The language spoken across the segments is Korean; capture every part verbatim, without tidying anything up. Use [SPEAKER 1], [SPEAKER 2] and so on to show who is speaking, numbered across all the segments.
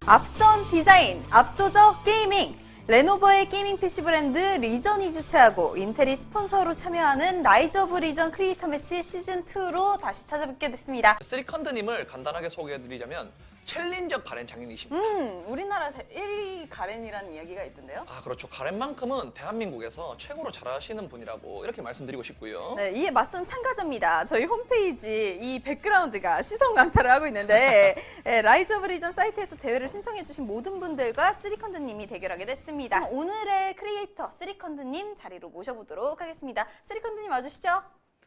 [SPEAKER 1] 앞선 디자인, 압도적 게이밍. 레노버의 게이밍 피씨 브랜드 리전이 주최하고 인텔이 스폰서로 참여하는 라이즈 오브 리전 크리에이터 매치 시즌이로 다시 찾아뵙게 됐습니다.
[SPEAKER 2] 쓰리컨드님을 간단하게 소개해드리자면 챌린저 가렌 장인이십니다.
[SPEAKER 1] 음, 우리나라 일 위 가렌이라는 이야기가 있던데요?
[SPEAKER 2] 아 그렇죠. 가렌만큼은 대한민국에서 최고로 잘하시는 분이라고 이렇게 말씀드리고 싶고요.
[SPEAKER 1] 네, 이에 맞선 참가자입니다. 저희 홈페이지 이 백그라운드가 시선 강타를 하고 있는데 네, 라이즈 오브 리전 사이트에서 대회를 신청해주신 모든 분들과 쓰리컨드님이 대결하게 됐습니다. 오늘의 크리에이터 쓰리컨드님 자리로 모셔보도록 하겠습니다. 쓰리컨드님 와주시죠.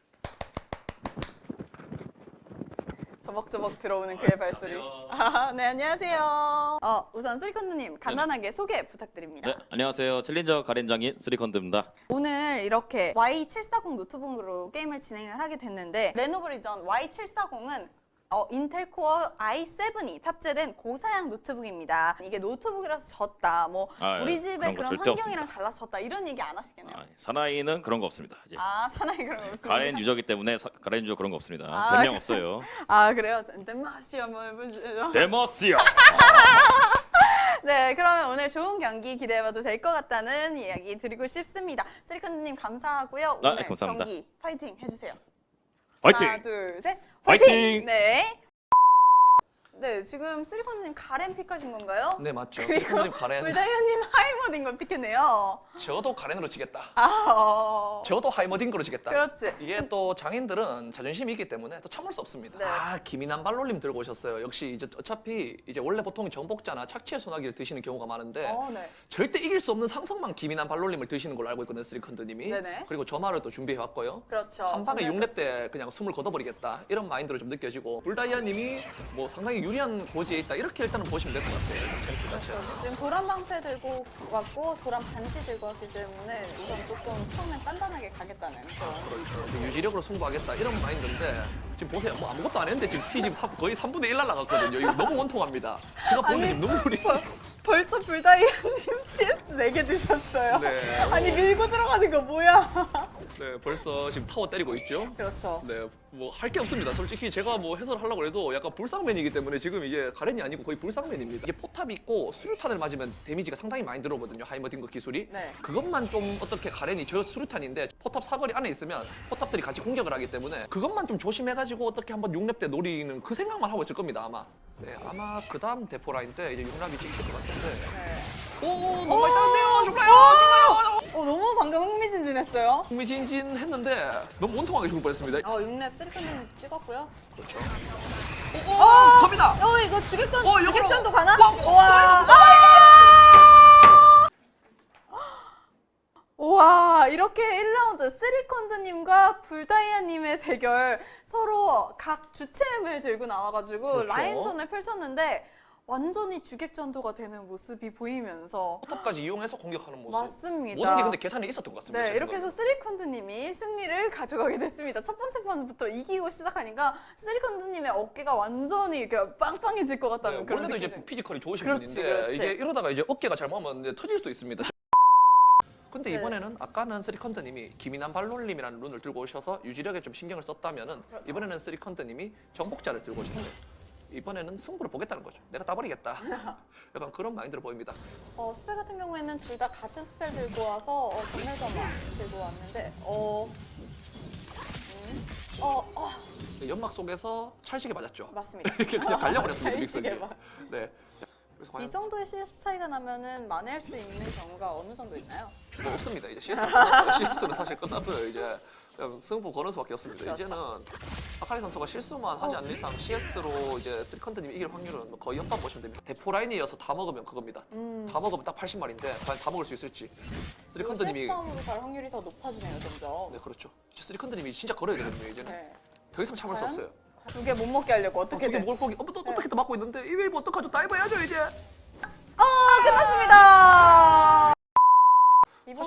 [SPEAKER 1] 저벅저벅 들어오는 그의 발소리. 아, 네, 안녕하세요. 어, 우선 쓰리컨드님 간단하게 네. 소개 부탁드립니다.
[SPEAKER 3] 네, 안녕하세요. 챌린저 가렌장인 쓰리컨드입니다.
[SPEAKER 1] 오늘 이렇게 와이 칠백사십 노트북으로 게임을 진행을 하게 됐는데 레노버 리전 와이 칠백사십은 어, 인텔 코어 아이 세븐이 탑재된 고사양 노트북입니다. 이게 노트북이라서 졌다, 뭐
[SPEAKER 3] 아,
[SPEAKER 1] 우리
[SPEAKER 3] 예,
[SPEAKER 1] 집의
[SPEAKER 3] 그런
[SPEAKER 1] 그런,
[SPEAKER 3] 거 절대
[SPEAKER 1] 환경이랑 달라서 졌다 이런 얘기 안 하시겠네요.
[SPEAKER 3] 아, 사나이는 그런 거 없습니다. 이제.
[SPEAKER 1] 아, 사나이 그런 거 없습니다.
[SPEAKER 3] 가렌 유저기 때문에 사, 가렌 유저 그런 거 없습니다.
[SPEAKER 1] 아,
[SPEAKER 3] 별명 없어요.
[SPEAKER 1] 아, 그래요? 데마시 한번 해보시죠.
[SPEAKER 3] 데머스요.
[SPEAKER 1] 네, 그러면 오늘 좋은 경기 기대해봐도 될 것 같다는 이야기 드리고 싶습니다. 쓰리컨드님 감사하고요.
[SPEAKER 3] 아,
[SPEAKER 1] 오늘
[SPEAKER 3] 감사합니다.
[SPEAKER 1] 경기 파이팅 해주세요.
[SPEAKER 3] 화이팅!
[SPEAKER 1] 하나, 둘, 셋.
[SPEAKER 3] 화이팅!
[SPEAKER 1] 파이팅! 네. 네, 지금 쓰리컨드님 가렌 픽하신 건가요?
[SPEAKER 2] 네 맞죠.
[SPEAKER 1] 그리고
[SPEAKER 2] 쓰리컨드님 가렌.
[SPEAKER 1] 불다이아님 하이머딩 걸 픽했네요.
[SPEAKER 2] 저도 가렌으로 지겠다.
[SPEAKER 1] 아, 어...
[SPEAKER 2] 저도 하이머딩으로 지겠다.
[SPEAKER 1] 그렇지.
[SPEAKER 2] 이게 또 장인들은 자존심이 있기 때문에 또 참을 수 없습니다.
[SPEAKER 1] 네.
[SPEAKER 2] 아 김인환 발놀림 들고 오셨어요. 역시 이제 어차피 이제 원래 보통 정복자나 착취의 소나기를 드시는 경우가 많은데
[SPEAKER 1] 어, 네.
[SPEAKER 2] 절대 이길 수 없는 상성만 김인환 발놀림을 드시는 걸로 알고 있거든요, 쓰리컨드님이.
[SPEAKER 1] 네네.
[SPEAKER 2] 그리고 저 말을 또 준비해 왔고요.
[SPEAKER 1] 그렇죠.
[SPEAKER 2] 한 방에
[SPEAKER 1] 정말
[SPEAKER 2] 육 렙 때 그냥 숨을 걷어버리겠다 이런 마인드로 좀 느껴지고 불다이아님이 뭐 상당히 유리한 고지에 있다 이렇게 일단은 보시면 될 것 같아요. 챔프 자체가.
[SPEAKER 1] 그렇죠. 지금 도란 방패 들고 왔고 도란 반지 들고 왔기 때문에 우선 조금 처음엔 단단하게 가겠다는 그런.
[SPEAKER 2] 그렇죠. 이제 유지력으로 승부하겠다 이런 마인드인데 지금 보세요. 뭐 아무것도 안 했는데 지금 피 지금 거의 삼분의 일 날라갔거든요. 이거 너무 원통합니다. 제가 보는데
[SPEAKER 1] 아니,
[SPEAKER 2] 지금 눈물이.
[SPEAKER 1] 벌, 벌써 불다이아님 씨에스 네 개 드셨어요.
[SPEAKER 2] 네.
[SPEAKER 1] 아니 밀고 들어가는 거 뭐야?
[SPEAKER 2] 네, 벌써 지금 타워 때리고 있죠.
[SPEAKER 1] 그렇죠.
[SPEAKER 2] 네, 뭐 할 게 없습니다. 솔직히 제가 뭐 해설하려고 해도 약간 불상맨이기 때문에 지금 이게 가렌이 아니고 거의 불상맨입니다. 이게 포탑이 있고 수류탄을 맞으면 데미지가 상당히 많이 들어오거든요. 하이머딩거 기술이.
[SPEAKER 1] 네.
[SPEAKER 2] 그것만 좀 어떻게 가렌이 저 수류탄인데 포탑 사거리 안에 있으면 포탑들이 같이 공격을 하기 때문에 그것만 좀 조심해가지고 어떻게 한번 육 렙 때 노리는 그 생각만 하고 있을 겁니다 아마. 네, 아마 그 다음 대포 라인 때 이제 육 렙이 찍힐 것 같은데.
[SPEAKER 1] 네.
[SPEAKER 2] 오, 너무 많이 따는데요. 죽어요, 죽어요.
[SPEAKER 1] 어, 너무 방금 흥미진진했어요.
[SPEAKER 2] 흥미진진했는데 너무 원통하게 죽을 뻔했습니다.
[SPEAKER 1] 어, 육 렙 쓰리컨드님 찍었고요.
[SPEAKER 2] 그렇죠. 오, 오, 갑니다.
[SPEAKER 1] 어, 이거 주객전,
[SPEAKER 2] 어, 역으로.
[SPEAKER 1] 주객전도 가나?
[SPEAKER 2] 와, 와,
[SPEAKER 1] 우와. 우와, 이렇게 일 라운드 쓰리컨드님과 불다이아님의 대결 서로 각 주체음을 들고 나와가지고
[SPEAKER 2] 그렇죠.
[SPEAKER 1] 라인전을 펼쳤는데 완전히 주객전도가 되는 모습이 보이면서
[SPEAKER 2] 포탑까지 이용해서 공격하는 모습.
[SPEAKER 1] 맞습니다.
[SPEAKER 2] 모든 게 근데 계산이 있었던 것 같습니다.
[SPEAKER 1] 네,
[SPEAKER 2] 제
[SPEAKER 1] 이렇게 해서
[SPEAKER 2] 생각에는.
[SPEAKER 1] 쓰리컨드님이 승리를 가져가게 됐습니다. 첫 번째 판부터 이기고 시작하니까 쓰리컨드님의 어깨가 완전히 이렇게 빵빵해질 것 같다는
[SPEAKER 2] 네,
[SPEAKER 1] 그런
[SPEAKER 2] 원래도
[SPEAKER 1] 느낌이
[SPEAKER 2] 이제 피지컬이 좋으신
[SPEAKER 1] 그렇지,
[SPEAKER 2] 분인데
[SPEAKER 1] 그렇지.
[SPEAKER 2] 이게 이러다가 이제 어깨가 잘못하면 이제 터질 수도 있습니다. 근데
[SPEAKER 1] 네.
[SPEAKER 2] 이번에는 아까는 쓰리컨드님이 김인환 발놀림이라는 룬을 들고 오셔서 유지력에 좀 신경을 썼다면은
[SPEAKER 1] 그렇죠.
[SPEAKER 2] 이번에는 쓰리컨드님이 정복자를 들고 오셨어요. 이번에는 승부를 보겠다는 거죠. 내가 따버리겠다. 약간 그런 마인드로 보입니다.
[SPEAKER 1] 어, 스펠 같은 경우에는 둘 다 같은 스펠 들고 와서 어, 전멸점화 들고 왔는데 어... 음, 어, 어,
[SPEAKER 2] 연막 속에서 찰식에 맞았죠.
[SPEAKER 1] 맞습니다.
[SPEAKER 2] 이렇게 그냥 갈려버렸습니다.
[SPEAKER 1] 찰식에
[SPEAKER 2] 믹서기.
[SPEAKER 1] 맞-
[SPEAKER 2] 네. 그래서 과연
[SPEAKER 1] 이 정도의 씨에스 차이가 나면은 만회할 수 있는 경우가 어느 정도 있나요?
[SPEAKER 2] 뭐 없습니다. 이제 씨에스는 끝났고요. 씨에스는 사실 끝났고요. 이제 그냥 승부 거는 수밖에 없습니다.
[SPEAKER 1] 그렇죠.
[SPEAKER 2] 이제는 아카리 선수가 실수만 하지 않는 이상 씨에스로 이제 쓰리컨드님이 이길 확률은 거의 연반 보시면 됩니다. 대포 라인이어서 다 먹으면 그겁니다.
[SPEAKER 1] 음.
[SPEAKER 2] 다 먹으면 딱 팔십 마리인데 과연 다 먹을 수 있을지. 쓰리컨드님이
[SPEAKER 1] 씨에스 싸움으로 갈 확률이 더 높아지네요, 점점.
[SPEAKER 2] 네 그렇죠. 쓰리컨드님이 진짜 걸어야 되거든요. 이제는
[SPEAKER 1] 네.
[SPEAKER 2] 더 이상 참을 수
[SPEAKER 1] 과연?
[SPEAKER 2] 없어요.
[SPEAKER 1] 두 개 못 먹게 하려고
[SPEAKER 2] 어떻게
[SPEAKER 1] 어떻게든.
[SPEAKER 2] 먹을 거기 어, 또,
[SPEAKER 1] 네.
[SPEAKER 2] 어떻게 또 막고 있는데 이 웨이브 어떡하죠? 다이브 해야죠 이제.
[SPEAKER 1] 어, 끝났습니다. 이번
[SPEAKER 2] 사실-
[SPEAKER 1] 판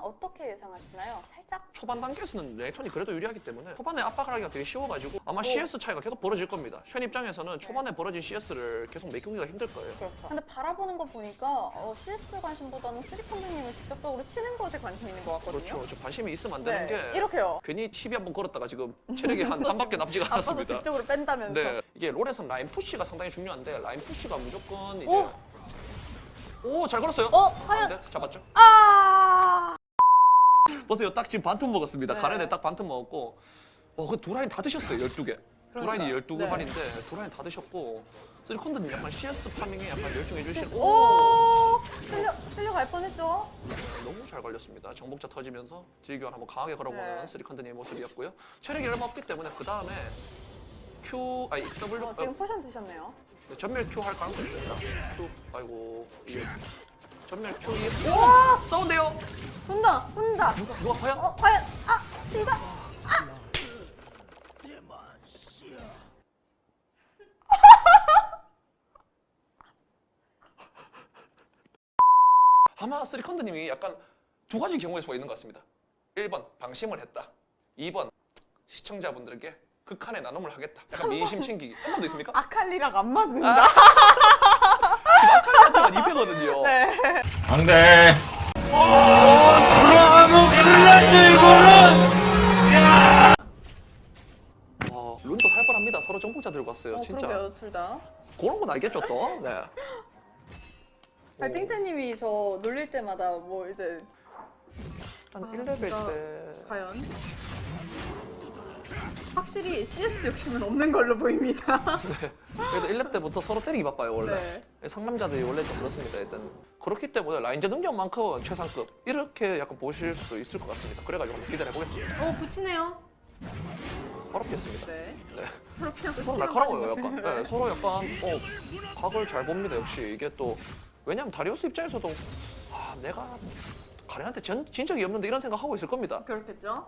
[SPEAKER 1] 어떻게 예상하시나요? 살짝?
[SPEAKER 2] 초반 단계에서는 레이턴이 그래도 유리하기 때문에 초반에 압박을 하기가 되게 쉬워가지고 아마 씨에스 차이가 계속 벌어질 겁니다. 쉔 입장에서는 초반에 벌어진 씨에스를 계속 메꾸기가 힘들 거예요.
[SPEAKER 1] 그렇죠. 근데 바라보는 거 보니까 어, 씨에스 관심보다는 쓰리컨드님을 직접적으로 치는 것에 관심 있는 것 같거든요.
[SPEAKER 2] 그렇죠. 저 관심이 있으면 안 되는
[SPEAKER 1] 네,
[SPEAKER 2] 게
[SPEAKER 1] 이렇게요.
[SPEAKER 2] 괜히 티비 한번 걸었다가 지금 체력이 한, 한 밖에 남지가
[SPEAKER 1] 아빠도
[SPEAKER 2] 않았습니다.
[SPEAKER 1] 직접으로 뺀다면서.
[SPEAKER 2] 네, 이게 롤에서는 라인 푸시가 상당히 중요한데 라인 푸시가 무조건 이제
[SPEAKER 1] 오!
[SPEAKER 2] 오, 잘 걸었어요.
[SPEAKER 1] 어, 과연?
[SPEAKER 2] 네, 잡았죠.
[SPEAKER 1] 아!
[SPEAKER 2] 보세요, 딱 지금 반틈 먹었습니다.
[SPEAKER 1] 네.
[SPEAKER 2] 가렌에 딱 반틈 먹었고, 어, 그 두 라인 다 드셨어요, 열두 개. 두 라인이
[SPEAKER 1] 그러니까요.
[SPEAKER 2] 열두
[SPEAKER 1] 네.
[SPEAKER 2] 개만인데 두 라인 다 드셨고, 쓰리컨드님 약간 씨에스 파밍에 약간 열중해 주시는.
[SPEAKER 1] 오! 끌려, 끌려갈 뻔했죠?
[SPEAKER 2] 너무 잘 걸렸습니다. 정복자 터지면서 딜교환 한번 강하게 걸어보는
[SPEAKER 1] 네.
[SPEAKER 2] 쓰리컨드님의 모습이었고요. 체력이 얼마 없기 때문에 그 다음에 Q, 아니 W,
[SPEAKER 1] 어, 지금 포션 드셨네요.
[SPEAKER 2] 어, 전멸 Q 할 가능성이 있습니다. Q, 아이고 이게 전멸 Q 이
[SPEAKER 1] 우와!
[SPEAKER 2] 싸운대요.
[SPEAKER 1] 혼다! 혼다!
[SPEAKER 2] 누가 누가 과연?
[SPEAKER 1] 어, 과연! 아! 둘다!
[SPEAKER 2] 아마 쓰리컨드님이 약간 두 가지 경우의 수가 있는 것 같습니다. 일 번 방심을 했다. 이 번 시청자분들에게 극한의 나눔을 하겠다. 약간 민심 챙기기. 삼 번도 있습니까?
[SPEAKER 1] 아칼리랑 안 맞는다.
[SPEAKER 2] 지금 아칼리한테만 이 패거든요.
[SPEAKER 1] 네.
[SPEAKER 3] 안 돼.
[SPEAKER 2] 와, 룬도 살벌합니다. 서로 정복자 들고 왔어요.
[SPEAKER 1] 어,
[SPEAKER 2] 진짜.
[SPEAKER 1] 그러게요, 둘 다.
[SPEAKER 2] 그런 건 알겠죠 또. 네.
[SPEAKER 1] 아니, 띵태님이 저 놀릴 때마다 뭐 이제
[SPEAKER 2] 한
[SPEAKER 1] 아,
[SPEAKER 2] 일 레벨
[SPEAKER 1] 진짜.
[SPEAKER 2] 때
[SPEAKER 1] 과연? 확실히 씨에스 욕심은 없는 걸로 보입니다.
[SPEAKER 2] 그래도 일 렙 때부터 서로 때리기 바빠요 원래.
[SPEAKER 1] 네.
[SPEAKER 2] 상남자들이 원래 좀 그렇습니다 일단. 그렇기 때문에 라인제 능력만큼은 최상급 이렇게 약간 보실 수도 있을 것 같습니다. 그래가지고 한번 기대해 보겠습니다.
[SPEAKER 1] 오, 붙이네요.
[SPEAKER 2] 어렵겠습니다.
[SPEAKER 1] 네.
[SPEAKER 2] 네.
[SPEAKER 1] 서로 그냥
[SPEAKER 2] 서로 날카로워요 약간. 네, 서로 약간 어 각을 잘 봅니다 역시. 이게 또 왜냐면 다리우스 입장에서도 아 내가 가렌한테 전, 진 적이 없는데 이런 생각하고 있을 겁니다.
[SPEAKER 1] 그렇겠죠.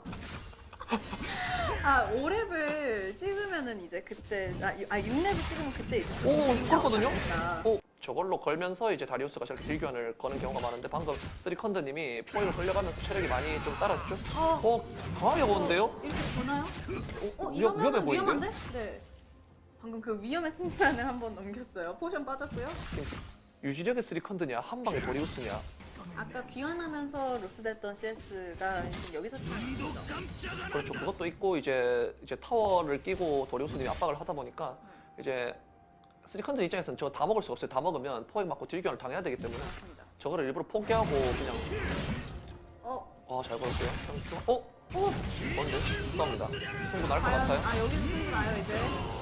[SPEAKER 1] 아, 오 렙을 찍으면은 이제 그때 아, 유- 아 육 렙을 찍으면 그때 이제
[SPEAKER 2] 오 그렇거든요.
[SPEAKER 1] 나오니까.
[SPEAKER 2] 어 저걸로 걸면서 이제 다리우스가 저렇게 딜교환을 거는 경우가 많은데 방금 쓰리컨드님이 포획을 걸려가면서 체력이 많이 좀 따랐죠.
[SPEAKER 1] 어,
[SPEAKER 2] 어 강하게 보는데요?
[SPEAKER 1] 이렇게 보나요?
[SPEAKER 2] 어,
[SPEAKER 1] 어,
[SPEAKER 2] 위험, 위험해
[SPEAKER 1] 이러면
[SPEAKER 2] 보이는데?
[SPEAKER 1] 위험한데? 네. 방금 그 위험의 순간을 한번 넘겼어요. 포션 빠졌고요.
[SPEAKER 2] 유지력의 쓰리컨드냐 한 방에 도리우스냐.
[SPEAKER 1] 아까 귀환하면서 로스됐던 씨에스가 지금 여기서 찍는 거죠.
[SPEAKER 2] 그렇죠. 그것도 있고 이제 이제 타워를 끼고 도리우스님이 압박을 하다 보니까 이제 쓰리컨드 입장에서는 저거 다 먹을 수가 없어요. 다 먹으면 포획 맞고 딜교환을 당해야 되기 때문에
[SPEAKER 1] 맞습니다.
[SPEAKER 2] 저거를 일부러 포기하고 그냥
[SPEAKER 1] 어,
[SPEAKER 2] 아 잘 걸었어요. 어? 어? 뭔데? 싸웁니다. 승부 날 것
[SPEAKER 1] 과연
[SPEAKER 2] 같아요.
[SPEAKER 1] 아 여기서 승부 나요 이제.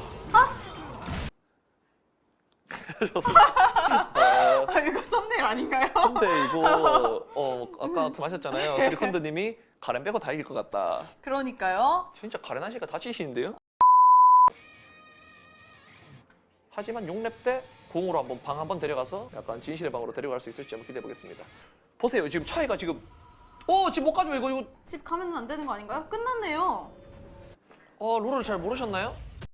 [SPEAKER 2] 어,
[SPEAKER 1] 아 이거 썸네일 아닌가요?
[SPEAKER 2] 근데 이거 어 아까 말씀하셨잖아요. 쓰리컨드님이 가렌 빼고 다 이길 것 같다.
[SPEAKER 1] 그러니까요.
[SPEAKER 2] 진짜 가렌 하시가 다치시는데요? 하지만 육 렙 때 공으로 한번 방 한번 데려가서 약간 진실의 방으로 데려갈 수 있을지 한번 기대해 보겠습니다. 보세요. 지금 차이가 지금 어 지금 못 가죠 이거 이거
[SPEAKER 1] 집 가면은 안 되는 거 아닌가요? 끝났네요.
[SPEAKER 2] 어 룰을 잘 모르셨나요?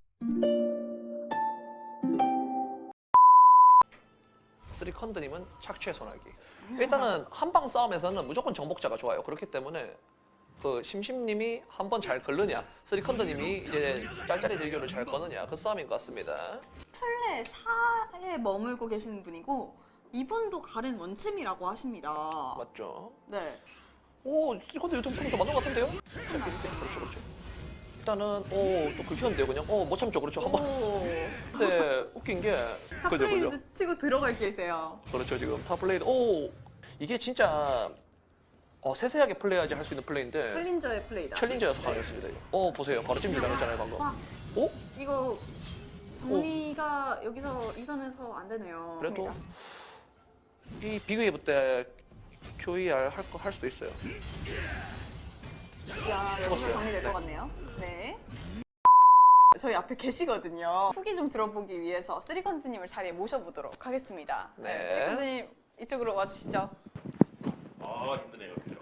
[SPEAKER 2] 쓰리컨드님은 착취의 소나기. 일단은 한방 싸움에서는 무조건 정복자가 좋아요. 그렇기 때문에 그 심심님이 한 번 잘 걸느냐, 쓰리컨드님이 이제 짤짤이 딜교를 잘 거느냐 그 싸움인 것 같습니다.
[SPEAKER 1] 플레 사에 머물고 계시는 분이고 이분도 가렌 원챔이라고 하십니다.
[SPEAKER 2] 맞죠?
[SPEAKER 1] 네.
[SPEAKER 2] 오, 쓰리컨드 요즘 좀 맞는 것 같은데요? 그렇죠, 그렇죠. 일단은 오또 긁혔는데요, 그냥 어못 참죠, 그렇죠. 한번.
[SPEAKER 1] 오.
[SPEAKER 2] 근데 웃긴 게 그죠, 그죠.
[SPEAKER 1] 탑플레이드 치고 들어갈 계세요.
[SPEAKER 2] 그렇죠, 지금 탑플레이드. 오, 이게 진짜 어, 세세하게 플레이하지 할 수 있는 플레이인데
[SPEAKER 1] 챌린저의 플레이다.
[SPEAKER 2] 챌린저여서 가능했습니다. 이거. 어 보세요, 바로 찜질 당했잖아요 방금.
[SPEAKER 1] 와,
[SPEAKER 2] 오?
[SPEAKER 1] 이거 정리가 여기서 이 선에서 안 되네요.
[SPEAKER 2] 그래도 이 비그웨이브 때 큐이알 할 거 할 수도 있어요.
[SPEAKER 1] 야, 여기서
[SPEAKER 2] 죽었어요.
[SPEAKER 1] 정리될
[SPEAKER 2] 네.
[SPEAKER 1] 것 같네요. 네. 저희 앞에 계시거든요. 후기 좀 들어보기 위해서 쓰리컨드님을 자리에 모셔보도록 하겠습니다.
[SPEAKER 2] 네.
[SPEAKER 1] 쓰리컨드님 이쪽으로 와주시죠.
[SPEAKER 3] 아 힘드네요. 그죠?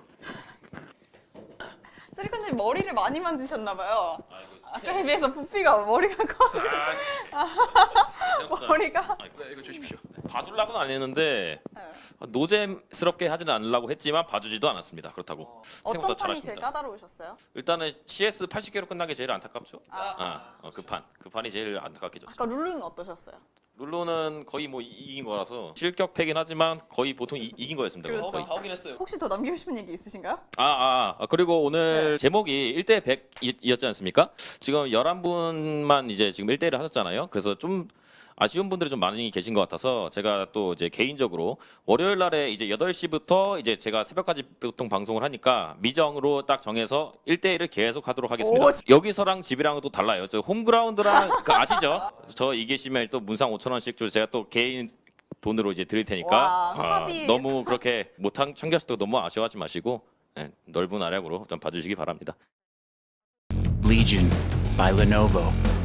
[SPEAKER 1] 쓰리컨드님 머리를 많이 만드셨나봐요.
[SPEAKER 3] 아이고.
[SPEAKER 1] 아까에 비해서 부피가 머리가 커.
[SPEAKER 3] 아, 생각보다
[SPEAKER 1] 머리가.
[SPEAKER 3] 아, 이거
[SPEAKER 2] 네, 이거 주십시오.
[SPEAKER 3] 봐주려고는 안 했는데
[SPEAKER 1] 네.
[SPEAKER 3] 노잼스럽게 하지는 않으려고 했지만 봐주지도 않았습니다. 그렇다고
[SPEAKER 1] 어떤
[SPEAKER 3] 생각보다
[SPEAKER 1] 판이 제일
[SPEAKER 3] 잘하십니다.
[SPEAKER 1] 까다로우셨어요?
[SPEAKER 3] 일단은 씨에스 팔십 개로 끝난 게 제일 안타깝죠.
[SPEAKER 1] 아,
[SPEAKER 3] 아, 어, 그 판, 그 판이 제일 안타깝게 졌죠.
[SPEAKER 1] 아까 룰루는 어떠셨어요?
[SPEAKER 3] 룰루는 거의 뭐 이- 이긴 거라서 실격 패긴 하지만 거의 보통 이, 이긴 거였습니다.
[SPEAKER 1] 그렇죠.
[SPEAKER 3] 거의.
[SPEAKER 2] 다 오긴 했어요.
[SPEAKER 1] 혹시 더 남기고 싶은 얘기 있으신가요?
[SPEAKER 3] 아, 아, 아, 그리고 오늘
[SPEAKER 1] 네.
[SPEAKER 3] 제목이 일 대 백이었지 않습니까? 지금 열한 분만 이제 지금 일 대 일을 하셨잖아요. 그래서 좀 아쉬운 분들이 좀 많이 계신 것 같아서 제가 또 이제 개인적으로 월요일 날에 이제 여덟 시부터 이제 제가 새벽까지 보통 방송을 하니까 미정으로 딱 정해서 일 대 일을 계속 하도록 하겠습니다.
[SPEAKER 1] 오,
[SPEAKER 3] 여기서랑 집이랑은 또 달라요. 저 홈그라운드랑 그 아시죠? 저 이기시면 또 문상 오천 원씩 저 제가 또 개인 돈으로 이제 드릴 테니까
[SPEAKER 1] 와,
[SPEAKER 3] 아,
[SPEAKER 1] 삽입.
[SPEAKER 3] 너무 그렇게 못 참가하셔도 너무 아쉬워하지 마시고 예, 넓은 아량으로 좀 봐주시기 바랍니다.
[SPEAKER 4] Legion by Lenovo